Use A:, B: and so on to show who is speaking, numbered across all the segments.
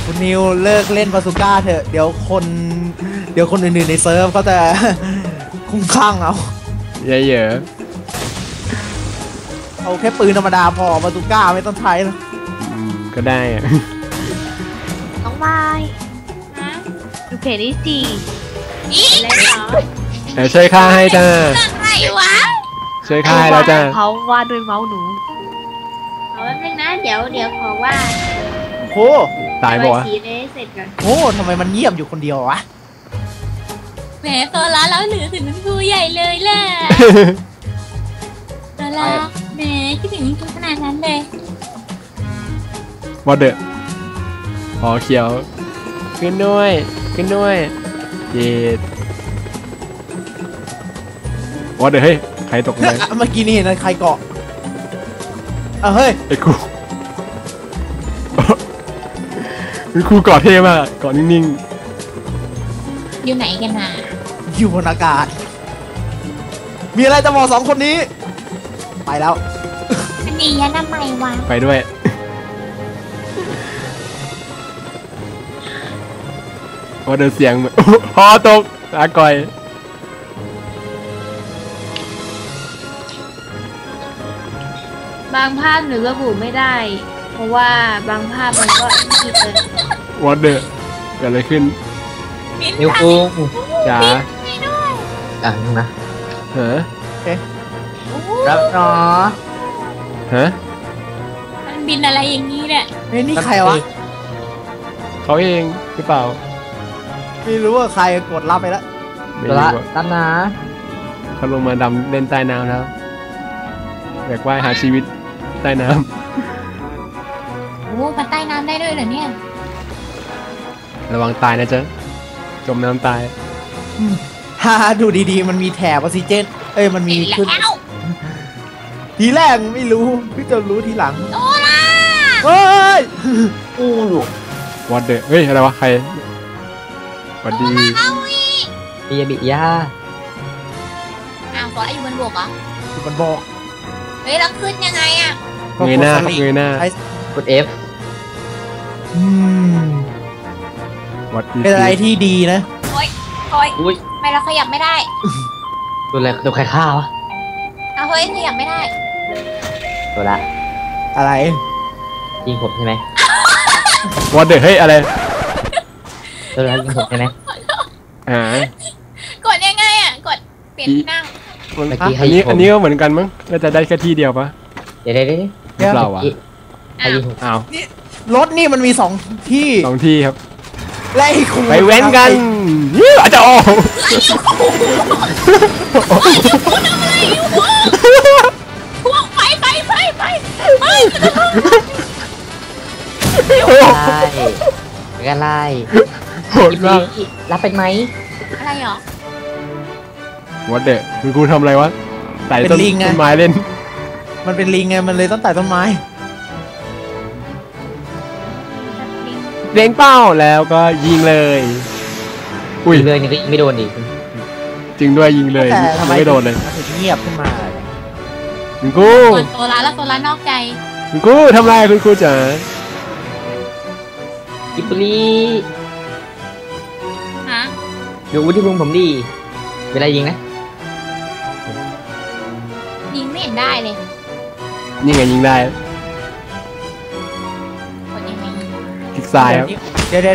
A: คุณนิวเลิกเล่นบาซูก้าเถอะเดี๋ยวคนอื่นๆในเซิร์ฟเขาจะ คุ้มข้างเอา
B: เยอะ
A: เอาแค่ปืนธรรมดาพอบาซูก้าไม่ต้องใช้แล้ว
B: ก็ได้อะ
C: น้องไม้ดูเพจนี้สิอะไรเหรอ
B: แต่ช่วยฆ่าให้จ้า
C: อะไรวะ
B: ช่วยฆ่าให้แล้วจ้า
C: เขาวาดด้วยเมาส์หนูเอาแป๊บนึงนะเดี๋ยวขอว่า
A: โอ้
B: ตายบ่
C: สีเลยเสร็จก่อน
A: โอ้ทำไมมันเงียบอยู่คนเดียววะ
C: แหมตัวละแล้วเหนือถึงคุณครูใหญ่เลยแหละตัวละแหมคิดถึงคุณครูขนาดนั้นเลยว
B: อเดอร์อ๋อเขียวขึ้นด้วยเย็ดวอเดอร์เฮ้ยใครตกเลย
A: เมื่อกี้นี่เห็นใครเกาะเฮ้ย
B: ไอ้ครูเป็นครูเกาะเท่มากเกาะนิ่ง
C: ๆอยู่ไหนกันน่ะ
A: อยู่บนอากาศมีอะไรจะบอกสองคนนี้ไปแล้ว
C: อันนี้ยันทำไมวะ
B: ไปด้วยพอเดินเสียงพอตกอาก่อย
C: บางภาพหนูระบุไม่ได้เพราะว่าบางภาพมันก็คิดเล
B: ยวอเดอร์เกิดอะไรขึ้น
D: นิวกุ้ง
B: จ๋า
D: อย่างนึงนะ
B: เฮ้อ
D: รับเนาะ
B: ฮะ
C: มันบินอะไรอย่างนี้เนี่ย
A: นี่ใครวะ
B: เขาเองหรือเปล่า
A: ไม่รู้ว่าใครกดรับไปแล้ว
D: รับนะ
B: เขาลงมาดำเล่นใต้น้ำแล้วอยากว่ายหาชีวิตใต้น้
C: ำโอ้มาใต้น้ำได้ด้วยเหรอเนี่ย
B: ระวังตายนะจ๊ะจมน้ำตาย
A: ฮ่าดูดีๆมันมีแถบออกซิเจนมันมีขึ้นทีแรกไม่รู้เพิ่งจะรู้ทีหลัง
C: โอล่า
A: เฮ้ย
D: อู้
B: วอดเดอร์เฮ้ยอะไรวะใครสวัสดี
D: บิยาบิยา
C: ขออยู่บนบกเหรอ
A: อยู่บนบก
C: เฮ้ยแล้วขึ้นยังไงอ่ะ
B: เงยหน้าก
D: ด F
A: เป็นอะไรที่ดีนะ
C: โอ้ยไม่เราขยับไม่ได้
D: ตัวใครฆ่าวะ
C: เฮ้ยขยับไม่ได้
D: ตัวละ
A: อะไร
D: ยิงผมใช่ไหม
B: วอดเดอร์เฮ้ยอะไร
D: ตัวละยิงผมใช่ไหม
C: กดยังไงอ่ะกดเปลี่ยนนั่ง
B: อันนี้ก็เหมือนกันมั้งก็จะได้แค่ที่เดียวปะ
D: เดี๋ยว
B: เราอ่ะ
A: อ้าวรถนี่มันมี2 ที่
B: ครับ
A: ไล่คุณ
B: ไปเว้นกันนี่อาจจะออก
C: พวกไป
D: กันไล่
B: โหดมาก
D: รับเป็นไหม
C: อะไรหรอ
B: วอดเดอร์คุณครูทำอะไรวะไต่ต้นไม้เล่น
A: มันเป็นลิงไงมันเลยต้องไต่ต้นไม้
B: เล็งเป้าแล้วก็ยิงเลย
D: อุ้ยเลยนี่ก็ไม่โดนดิ
B: จริงด้วยยิงเลยไม่โดนเลย
A: เงียบขึ้นมา
B: คุณครู
C: ตัวร้านแล้วตัวร้านนอกใจ
B: คุณครูทำไรคุณครูจ๋า
D: กิปลี
C: ฮะ
D: ดูวุฒิภูมิผมดีเวลายิงนะ
C: ยิงไม่เห็นได้เลย
B: นี่ไงยิงได้คลิกซ้ายครับ
A: เดี๋ยว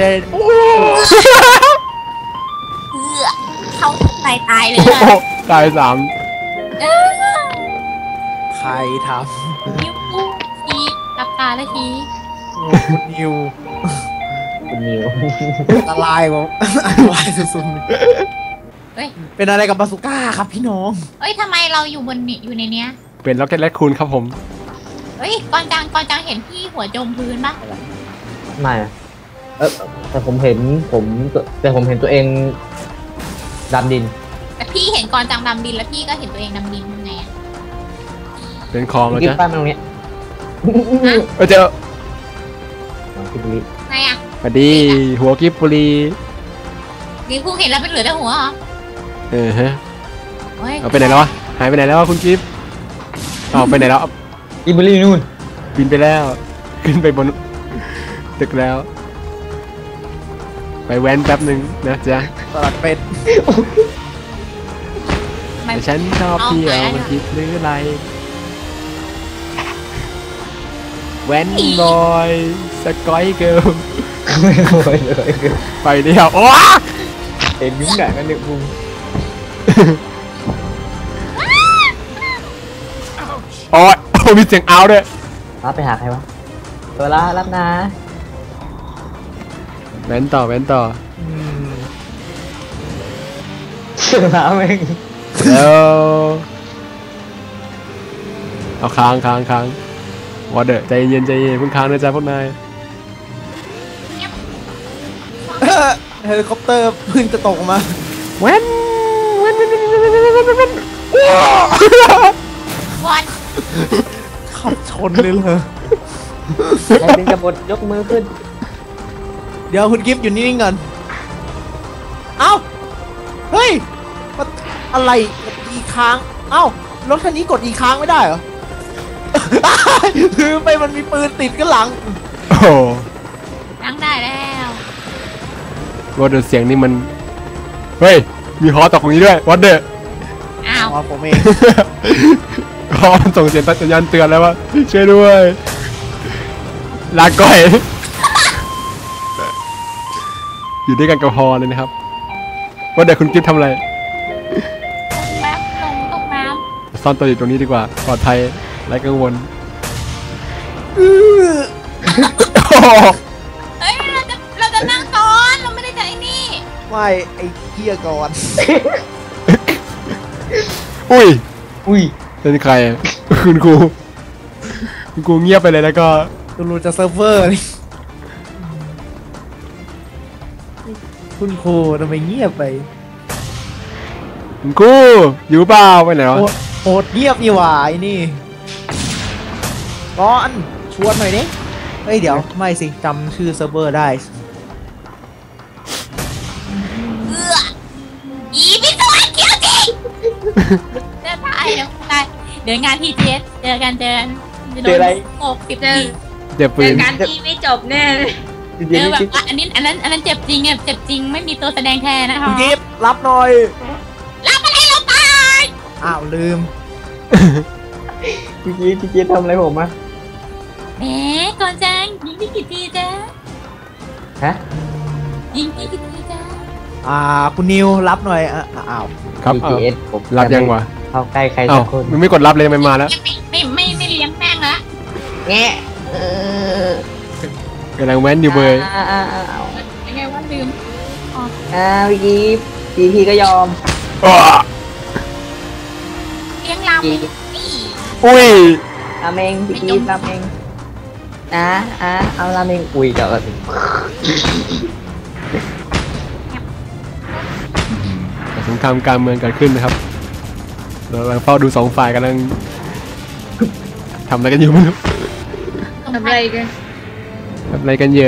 C: เขาตายเลย
B: ตาย3
A: ใครทำ
C: นิ้วทีรับตาแล้วที
A: นิว
D: ละลาย
A: สุดๆเป็นอะไรกับบาซูก้าครับพี่น้อง
C: ทำไมเราอยู่ในเนี้ย
B: เป็นล็อกเก็ตแรคคูนครับผม
C: ก่อนจังเห็นพี่หัวจมพื้นปะ
D: ไม่แต่ผมเห็นตัวเองดำดิน
C: แต่พี่เห็นก่อนจังดำดินแล้วพี่ก็เห็นตัวเองดำดินยังไง
B: เป็นคลองแล้วจ้ะ
D: ป้ายมาตรงนี้
B: เจอ
C: ไงอ่ะ
B: พอดีหัวกิบปุรี
C: นี่กูเห็นแล้วเป็นเหลือแต่หัวเหรอ
B: ฮะเอาไปไหนแล้ววะหายไปไหนแล้วคุณกิฟเอาไปไหนแล้ว
D: กิบปุรีนู่น
B: บินไปแล้วขึ้นไปบนตึกแล้วไปแว้นแป๊บหนึ่งนะจ๊ะ
A: สลัดเป็ด
B: แต่ฉันชอบเที่ยวมันคิดหรืออะไรแว้นบอยสกอยเกิร์ล
D: ไม่โวยเลย
B: ไปเดียวโอ้
D: เห็นยุ่งหนักกันหนึ่งมุม
B: โอ้ยโอ้มีเสียงเอาด้วย
D: รับไปหาใครวะตัวละรับนะ
B: แว้นต่อแว้นต่อ
D: เชื่อแล้วเอง
B: แล้วเอาค้างวอเดอร์ใจเย็นเพิ่งค้างนะจ๊ะพวกนาย
A: เฮลิคอปเตอร์เพิ่งจะตกมา
B: แว้น
C: วัน
A: ขับชนเลยเหรอ
D: ใครเป็นกบฏยกมือขึ้น
A: เดี๋ยวคุณกิฟต์อยู่นิ่งๆก่อนเอ้าเฮ้ยมันอะไรกดอีค้างเอ้ารถคันนี้กดอีค้างไม่ได้เหรอ คือไปมันมีปืนติดกันหลัง
B: โอ้โห
C: ตั้งได้แล้ว
B: วอเดอร์เสียงนี่มันเฮ้ยมีฮอตกตรงนี้ด้วยวอเดอร์
C: อ้าว
A: อ๋อผมเอง
B: ฮอมันส่งเสียงสัญญาณเตือนแล้วว่าช่วยด้วยลาก่อย อยู่ด้วยกันกับฮอเลยนะครับวอเดอร์คุณกิ๊ฟทำอะไร
C: แป๊บตกน้
B: ซ่อนตัวอยู่ตรงนี้ดีกว่าปลอดภัยไร้กังวล
C: ำเฮ้ยเราจะนั่งก่อนเราไม่ได้จะไอ้นี่
A: ไม่ไอ้เกียก่อน
B: อุ้ย
D: อุ้ย
B: เป็นใครอะคุณครูเงียบไปเลยแล้วก็
A: ดูจะเซิร์ฟเวอร์นี่คุณครูทำไมเงียบไป
B: คุณครูอยู่เปล่าไปไหนวะ
A: โหดเงียบนี่หว่าไอ้นี่ก่อนชวนหน่อยดิเฮ้ยเดี๋ยวไม่สิจำชื่อเซิร์ฟเวอร์ได้
C: อีพี่ตัวเกี่ยวจริงเดินไปเดี๋ยวได้เดินงานที่เจสเจอกันจะโดน60 ที
B: เจ็บปื
C: เจอน การที่ไม่จบแน่เลย
D: เดี๋ยว
C: แบบ
D: นี้
C: ว่าอันนั้นเจ็บจริงอ่ะเจ็บจริงไม่มีตัวแสดงแทนนะคะ
A: คุณกิฟต์รับหน่อย
C: รับอะไรเราตาย
A: อ้าวลืม
D: พี่จี๊ดทำอะไรผมอะ
C: แหมก่อนจังยิงที่กี่ทีจ้า
D: ฮะ
C: ยิงที่กี่ทีจ้า
A: คุณนิวรับหน่อยอ้าว
B: ครับเอา
D: GPS ผม
B: รับยังวะ
D: เข้าใกล้ใคร
B: เอ้า
D: สักคน
B: มันไม่กดรับเลยมันมาแล้ว
C: ไม่เลี้ยงแม่งละ
D: แง่
B: กำลังแว้นอยู่เบย
C: ยังไงว่าลืม
D: พี่จี๊ดพี่ก็ยอม
B: อ้อ
C: เลี้ยงลำนี่
B: อุ้ย
D: ราเมงพี่จี๊ดราเมงเอาราเมงอุ้ยเดี๋ยวก่อน
B: สงครามการเมืองเกิดขึ้นนะครับเรากำลังเฝ้าดูสองฝ่ายกำลังทำอะไรกันอยู่ไม่รู้
C: ทำอะไรกัน
B: ทำอะไรกันเยอะ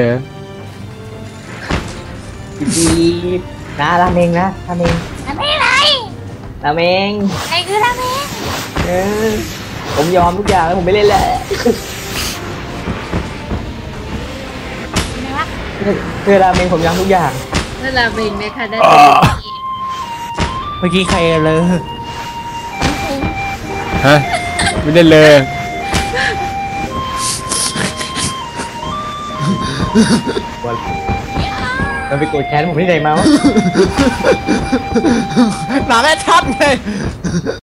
D: พี่จี๊ดราเมงนะราเมง
C: ทำอะไร
D: ราเมง
C: อะไรคือราเมง
D: ผมยอมทุกอย่างแล้วผมไม่เล่นแล้ว
C: อะไรวะ
D: คือราเมงผมยอมทุกอย่าง
C: นั่นราเมงไหมคะได้
A: เมื่อกี้ใครเลย
B: ฮะไม่ได้เลย
D: มันไปโกรธแค้นผมที่ไหนมาวะ
A: หนังแอคชั่นไง